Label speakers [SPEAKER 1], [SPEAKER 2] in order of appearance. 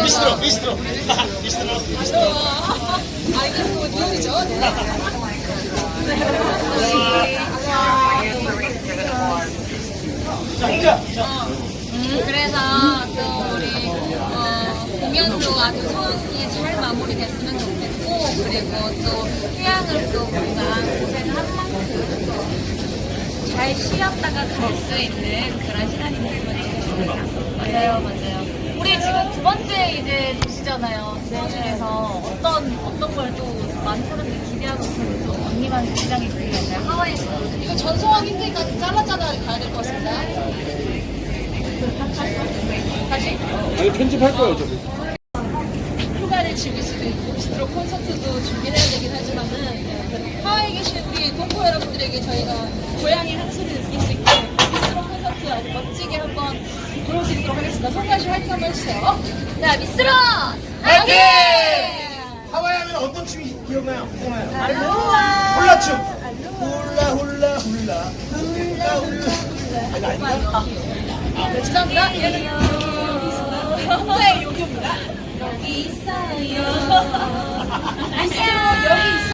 [SPEAKER 1] 비스트로, 비스트로. 비스트로.
[SPEAKER 2] 아, 이게 또 리얼이죠? 네.
[SPEAKER 1] 자, 인자.
[SPEAKER 3] 그래서 또 우리 공연도 아주 성의 잘 마무리됐으면 좋겠고, 그리고 또 휴양을 또 뭔가 고생한 만큼 잘 쉬었다가 갈 수 있는 그런 시간이 됐으면 좋겠습니다. 맞아요, 맞아요. 우리 지금 두 번째 이제 도시잖아요. 그 중에서 어떤 걸 또 많은 사람들이 기대하고 있는 또 언니만 굉장히 기대했나요? 하와이에서.
[SPEAKER 2] 이거 전송하기 힘드니까 잘라짜라 가야 될 것 같습니다. 다시.
[SPEAKER 1] 이거 편집할 거예요, 저기.
[SPEAKER 2] 휴가를 즐길 수도 있고 비스트로 콘서트도 준비해야 되긴 하지만은 하와이에 계신 우리 동포 여러분들에게 저희가 고향의 향수를 느낄 수 있게 비스트로 콘서트 아주 멋지게 한번 보여드리도록 하겠습니다. 송가시 화이팅 한번 해주세요.
[SPEAKER 3] 자, 미스로!
[SPEAKER 1] 화이팅! 하와이 하면 어떤 춤이 기억나요? 홀라춤. 홀라 홀라 홀라 홀라 홀라. 아니 아닌가?
[SPEAKER 2] 네, 죄송합니다. 여기 있어요. 여기 있어요.